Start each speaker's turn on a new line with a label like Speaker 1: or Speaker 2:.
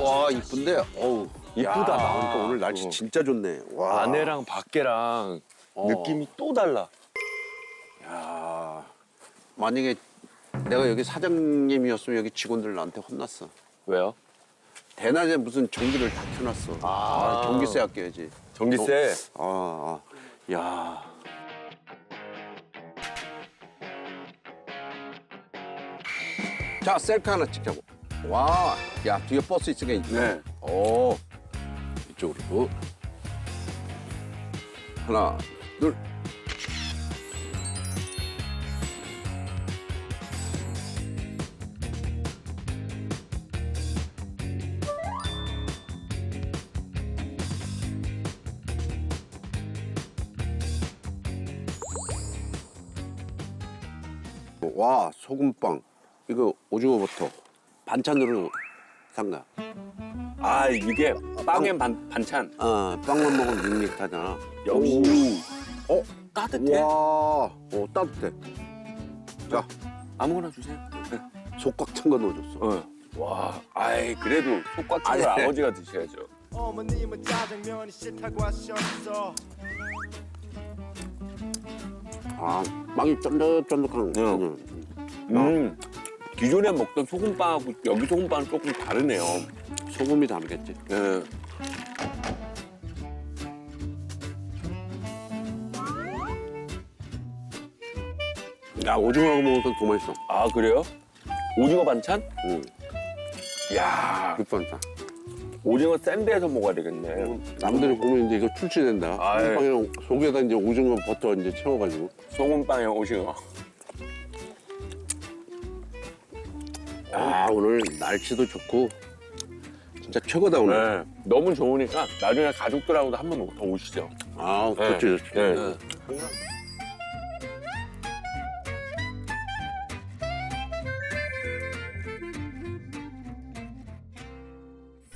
Speaker 1: 와 이쁜데. 어우
Speaker 2: 이쁘다.
Speaker 1: 야, 나오니까 오늘 날씨 진짜 좋네. 와.
Speaker 2: 안에랑 밖에랑 느낌이 또 달라.
Speaker 1: 야 만약에 내가 여기 사장님이었으면 여기 직원들 나한테 혼났어.
Speaker 2: 왜요?
Speaker 1: 대낮에 무슨 전기를 다 켜놨어. 아, 전기세 아껴야지.
Speaker 2: 전기세.
Speaker 1: 야. 자, 셀카 하나 찍자고. 와, 야, 뒤에 버스 있으니까.
Speaker 2: 네.
Speaker 1: 오, 이쪽으로. 하나, 둘. 와, 소금빵. 이거 오징어 버터. 반찬으로 산 거야.
Speaker 2: 아 이게 빵엔 반찬.
Speaker 1: 빵만 먹으면 밋밋하잖아.
Speaker 2: 역시. 따뜻해.
Speaker 1: 와, 따뜻해. 자,
Speaker 2: 아무거나 주세요.
Speaker 1: 속 꽉 찬 거 넣어줬어.
Speaker 2: 와, 아이 그래도 속꽉 찬 걸
Speaker 1: 아니.
Speaker 2: 아버지가 드셔야죠.
Speaker 3: 어머님은 짜장면이 싫다고 하셨어.
Speaker 1: 빵이 쫀득쫀득한.
Speaker 2: 기존에 먹던 소금빵하고 여기 소금빵은 조금 다르네요.
Speaker 1: 소금이 다르겠지.
Speaker 2: 네.
Speaker 1: 야, 오징어하고 먹으니까 더 맛있어.
Speaker 2: 아 그래요? 오징어 반찬?
Speaker 1: 응,
Speaker 2: 야,
Speaker 1: 육반찬.
Speaker 2: 오징어 샌드에서 먹어야 되겠네.
Speaker 1: 남들이 보면 이제 이거 출시된다.
Speaker 2: 아이.
Speaker 1: 소금빵이랑 속에다 이제 오징어 버터 이제 채워가지고.
Speaker 2: 소금빵에 오징어.
Speaker 1: 오늘 날씨도 좋고 진짜 최고다 오늘.
Speaker 2: 네. 너무 좋으니까 나중에 가족들하고도 한 번 더 오시죠.
Speaker 1: 좋지, 좋지.
Speaker 2: 네.